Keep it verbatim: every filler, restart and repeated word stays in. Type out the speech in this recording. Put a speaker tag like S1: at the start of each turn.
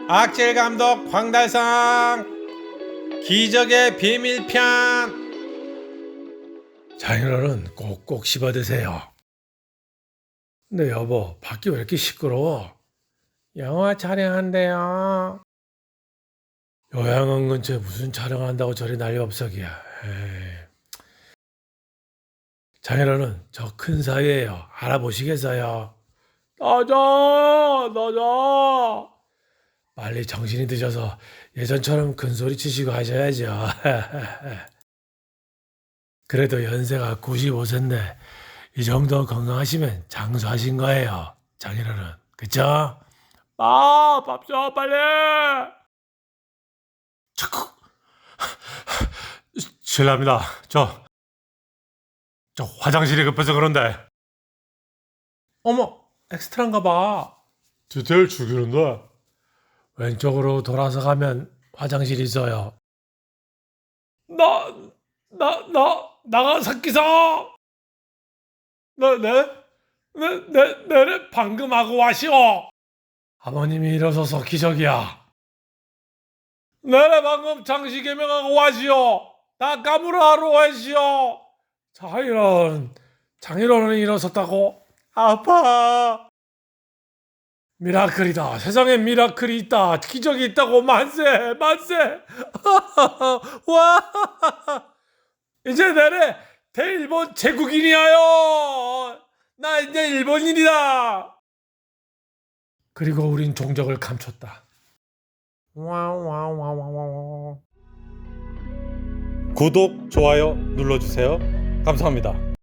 S1: 악질 감독 황달상 기적의 비밀편.
S2: 장인어른 꼭꼭 씹어 드세요. 근데 여보, 밖이 왜 이렇게 시끄러워?
S1: 영화 촬영한대요.
S2: 요양원 근처에 무슨 촬영한다고 저리 난리 없어기야. 에이. 장인어른, 저 큰 사이에요. 알아보시겠어요? 나자, 나자. 빨리 정신이 드셔서 예전처럼 큰 소리 치시고 하셔야죠. 그래도 연세가 구십오 세인데 이 정도 건강하시면 장수하신 거예요, 장인어른. 그쵸? 아, 밥 줘, 빨리. 자꾸 실례합니다. 저, 저 화장실이 급해서 그런데.
S1: 어머, 엑스트라인가 봐.
S2: 디테일 죽이는데. 왼쪽으로 돌아서 가면 화장실이 있어요. 나, 나, 나, 나가사키사. 네, 네, 네, 네, 네, 방금 하고 와시오. 아버님이 일어서서 기적이야. 네, 방금 장시 개명하고 와시오. 다 까무라하러 와시오. 장인어른, 장인어른이 일어섰다고? 아파. 미라클이다. 세상에 미라클이 있다. 기적이 있다고. 만세, 만세. 와. 이제 내래 대일본 제국인이야요. 나 이제 일본인이다. 그리고 우린 종적을 감췄다.
S1: 와와와와와. 구독, 좋아요 눌러주세요. 감사합니다.